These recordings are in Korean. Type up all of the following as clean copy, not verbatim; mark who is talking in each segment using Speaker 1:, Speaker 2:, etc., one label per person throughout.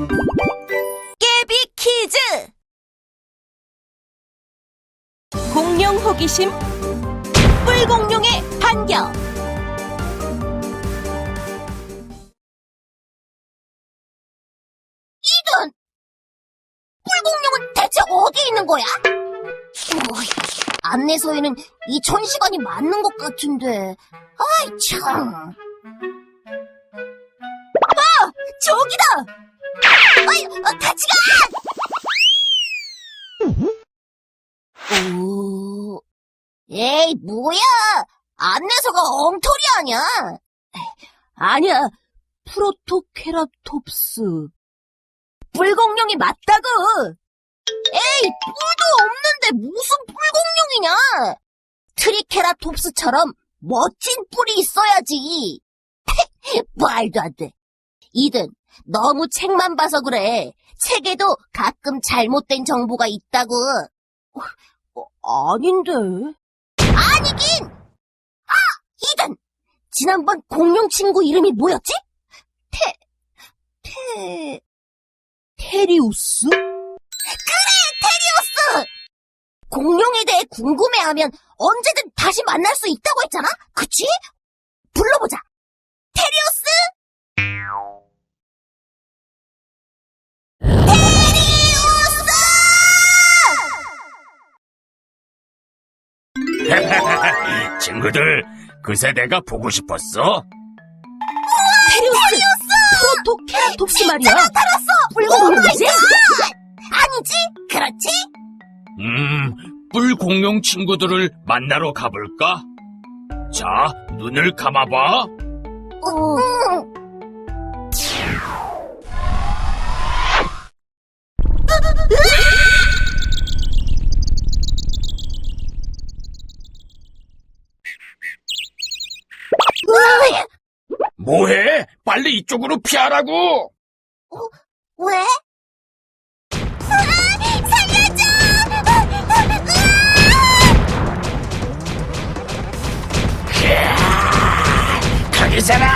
Speaker 1: 깨비 퀴즈! 공룡 호기심, 뿔공룡의 반격.
Speaker 2: 이든! 뿔공룡은 대체 어디에 있는 거야? 안내서에는 2000시간이 맞는 것 같은데. 아이, 참. 저기다! 아이, 같이 가! 오, 에이, 뭐야! 안내서가 엉터리 아냐?
Speaker 1: 아니야, 프로토케라톱스. 뿔공룡이 맞다고!
Speaker 2: 에이, 뿔도 없는데 무슨 뿔공룡이냐? 트리케라톱스처럼 멋진 뿔이 있어야지. 말도 안 돼. 이든, 너무 책만 봐서 그래. 책에도 가끔 잘못된 정보가 있다고.
Speaker 1: 아닌데.
Speaker 2: 아니긴! 이든! 지난번 공룡 친구 이름이 뭐였지?
Speaker 1: 테리우스?
Speaker 2: 테리우스! 공룡에 대해 궁금해하면 언제든 다시 만날 수 있다고 했잖아? 그치? 불러보자. 테리우스!
Speaker 3: 친구들, 그새 내가 보고 싶었어?
Speaker 1: 테리우스! 프로토케라톱스 말이야.
Speaker 2: 나타났어!
Speaker 1: 뿔공룡이지?
Speaker 2: 아니지? 그렇지?
Speaker 3: 뿔 공룡 친구들을 만나러 가볼까? 자, 눈을 감아봐. 뭐해? 빨리 이쪽으로 피하라고!
Speaker 2: 왜? 살려줘!
Speaker 3: 거기잖아!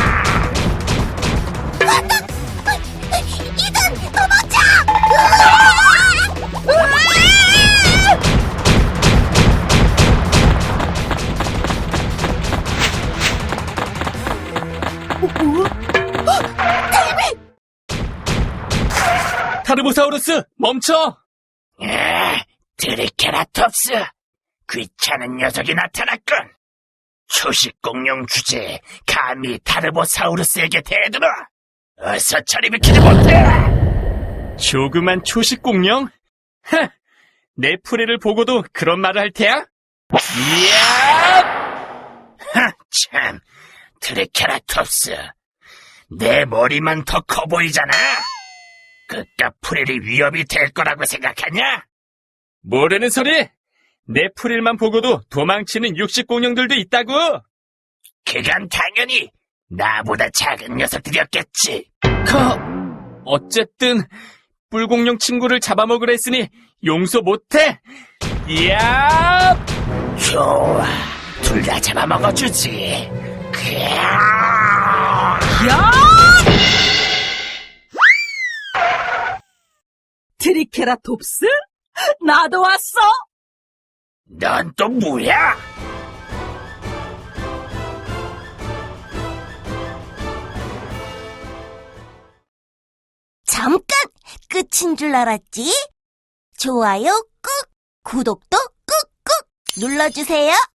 Speaker 2: 이든 도망쳐!
Speaker 3: 타르보사우루스, 멈춰! 트리케라톱스, 귀찮은 녀석이 나타났군. 초식공룡 주제에 감히 타르보사우루스에게 대들어. 어서 저리 비키지 못해! 조그만 초식공룡? 내 풀이를 보고도 그런 말을 할 테야? 이야! 참, 트리케라톱스, 내 머리만 더 커 보이잖아? 그깟 프릴이 위협이 될 거라고 생각하냐? 뭐라는 소리? 내 프릴만 보고도 도망치는 육식공룡들도 있다고? 그건 당연히 나보다 작은 녀석들이었겠지. 어쨌든 뿔공룡 친구를 잡아먹으려 했으니 용서 못해? 이야! 좋아, 둘 다 잡아먹어주지.
Speaker 1: 야! 트리케라톱스? 나도 왔어!
Speaker 3: 넌 또 뭐야?
Speaker 2: 잠깐 끝인 줄 알았지? 좋아요 꾹, 구독도 꾹꾹 눌러주세요.